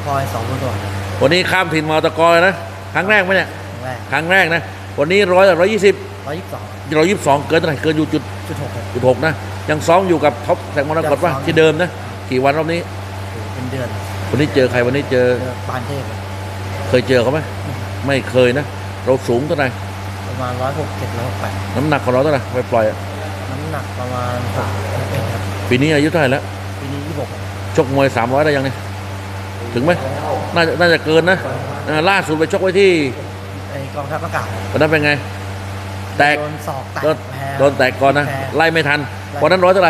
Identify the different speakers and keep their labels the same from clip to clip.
Speaker 1: พลอย2ตัว
Speaker 2: วันนี้ข้ามถิ่นมาตะกอยนะครั้งแรกไหมเนี่ยครั้งแรกนะวันนี้122เกินเท่าไหร่เกินอยู่จุดหกนะยังซ้อมอยู่กับท็อปแสงมรกตป่ะที่เดิมนะกี่วันรอบนี้
Speaker 1: เป็นเดือน
Speaker 2: วันนี้เจอใครวันนี้เจอ
Speaker 1: ปานเทพ
Speaker 2: เคยเจอเขาไหมไม่เคยนะเราสูงเท่าไหร่
Speaker 1: ประมาณ167-168
Speaker 2: น้ำหนักของเราเท่าไหร่ไปปล่อย
Speaker 1: น้ำหนักประมาณ6ครับ
Speaker 2: ปีนี้อายุเท่าไหร่แล้ว
Speaker 1: ปีนี้26
Speaker 2: ชกมวย300ได้ยังเนี่ยถึงไหมน่าจะเกินนะล่าสุดไปชกไว้ที่
Speaker 1: กองทัพอากาศ
Speaker 2: วันนั้นเป็นไงแตกโดนแตกก่อนนะไล่ไม่ทันวันนั้นเท่าไหร่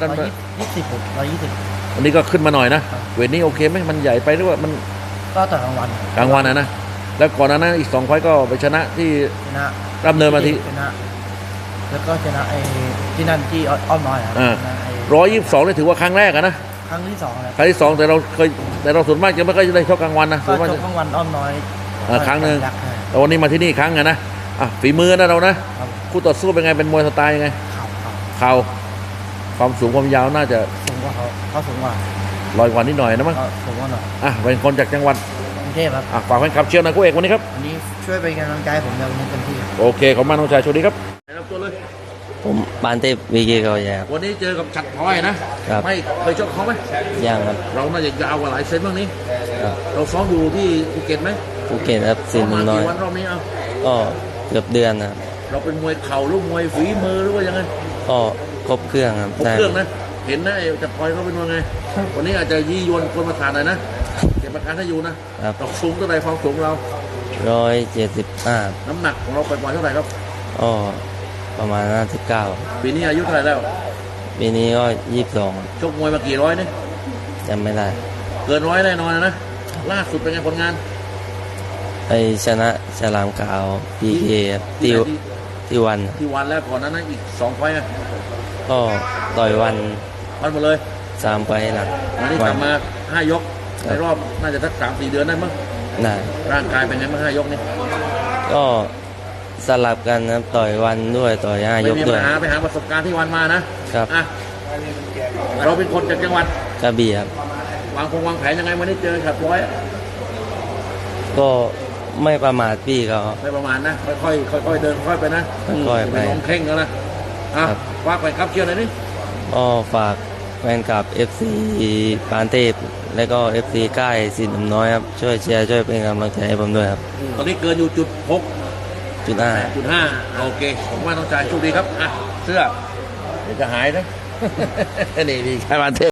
Speaker 1: 120
Speaker 2: วันนี้ก็ขึ้นมาหน่อยนะเวทนี้โอเคไหมมันใหญ่ไปหรือว่ามัน
Speaker 1: ก็ต่อกลางวัน
Speaker 2: นะแล้วก่อนนั้นอีก2 ไฟต์ก็ไปชนะที่รับเนินมาที่
Speaker 1: ชนะแล้วก็ชนะที่นั่นที่อ้อมน้อย
Speaker 2: 122นี่ถือว่าครั้งแรกนะ
Speaker 1: ครั้งที่2แล้ว
Speaker 2: ครั้งที่2แต่เราส่วนมากจะไม่ค่อยได้ชกกลางวันนะ
Speaker 1: ส่วนมากชกกลางวันอ้อมน้อย
Speaker 2: ครั้งหนึ่งแต่วันนี้มาที่นี่ครั้งนะฝีมือนะเรานะคู่ต่อสู้เป็นไงเป็นมวยสไตล์ยังไงเข่าความสูงความยาวน่าจะ
Speaker 1: สูงกว่าเขาสูงกว่า
Speaker 2: 100 กว่านิดหน่อยนะมั้ง
Speaker 1: สูงกว่าหน่อย
Speaker 2: เป็นคนจากจังหวัด
Speaker 1: กรุงเทพครับ
Speaker 2: ฝากแฟนคลับเชียร์นะคู่เอกวันนี้ครับ
Speaker 1: วันนี้ช่วยเป็นกำลังใจผมในวันนี้เต็มที่
Speaker 2: โอเคขอบคุณน้องชายโชคดีครับรับตัวเลย
Speaker 3: ผมปานเทพวีเกเขาใหญ่ครับ
Speaker 2: วันนี้เจอกับฉัตรพลอยนะไม่เคยชกเขาไหม
Speaker 3: ยังครับ
Speaker 2: เราน่าจะยาวกว่าหลายเซนบ้างนี้เราซ้อมอยู่ที่ภูเก็ตไหม
Speaker 3: ภูเก็ตครับสินน้อย
Speaker 2: วันรอบนี้
Speaker 3: ก็เกือบเดือนนะ
Speaker 2: เราเป็นมวยเข่าหรือมวยฝีมือหรือว่ายังไง
Speaker 3: ก็ครบเครื่องครับ
Speaker 2: ครบเครื่องนะเห็นนะฉัตรพลอยเขาเป็นยังไงวันนี้อาจจะยี่ยวนคนมาทานหน่อยนะเก็บประกันให้อยู่นะเราสูงเท่าไหร่ความสูงเรา
Speaker 3: 175
Speaker 2: น้ำหนักของเราไปปล่อยเท่าไหร่ครับ
Speaker 3: ก็ประมาณ59
Speaker 2: ปีนี้อายุเท่าไหร่แล้ว
Speaker 3: ปีนี้ก็22
Speaker 2: ชกมวยมากี่ร้อยเนี่ย
Speaker 3: จำไม่ได้
Speaker 2: เกิน100แน่นอนนะล่าสุดเป็นไงผลงาน
Speaker 3: ไปชนะฉลามขาวพีเคที่วัน
Speaker 2: แล้วก่อนนั้นอีก2 ไฟล์
Speaker 3: ก็ต่อยวัน
Speaker 2: หมดเลย
Speaker 3: 3 ไฟล์หลัง
Speaker 2: วันนี้กลับมา5 ยกในรอบน่าจะสัก3-4 เดือนได้มั้ง
Speaker 3: ได้
Speaker 2: ร่างกายเป็นไงบ้าง5 ยกนี่
Speaker 3: ก็สลับกันนะต่อยวันด้วยต่อย5 ยกด้วย
Speaker 2: ไปหาประสบการณ์ที่วันมานะครับเราเป็นคนจากจังหวัด
Speaker 3: กระบี่ครับ
Speaker 2: วางแผนยังไงวันนี้เจอฉัตรพลอย
Speaker 3: ก็ไม่ประมาทพี่เขา
Speaker 2: ไม่ประมาทนะค่อยเดินค่อยไปนะ
Speaker 3: ค่อยไป
Speaker 2: ลงเข่งแล้วนะฝากไปครับเชียร์หน่อยนี่
Speaker 3: ก็ฝากแฟนคลับ FC ปานเทพและก็ FC ใกล้สินน้อยครับช่วยเชียร์ช่วยเป็นกำลังใจให้ผมด้วยครับ
Speaker 2: ตอนนี้เกินอยู่
Speaker 3: จุด 5
Speaker 2: โอเคผมว่าน้องชายโชคดีครับเสื้อเดี๋ยวจะหายนะนี่ดีใครปานเทพ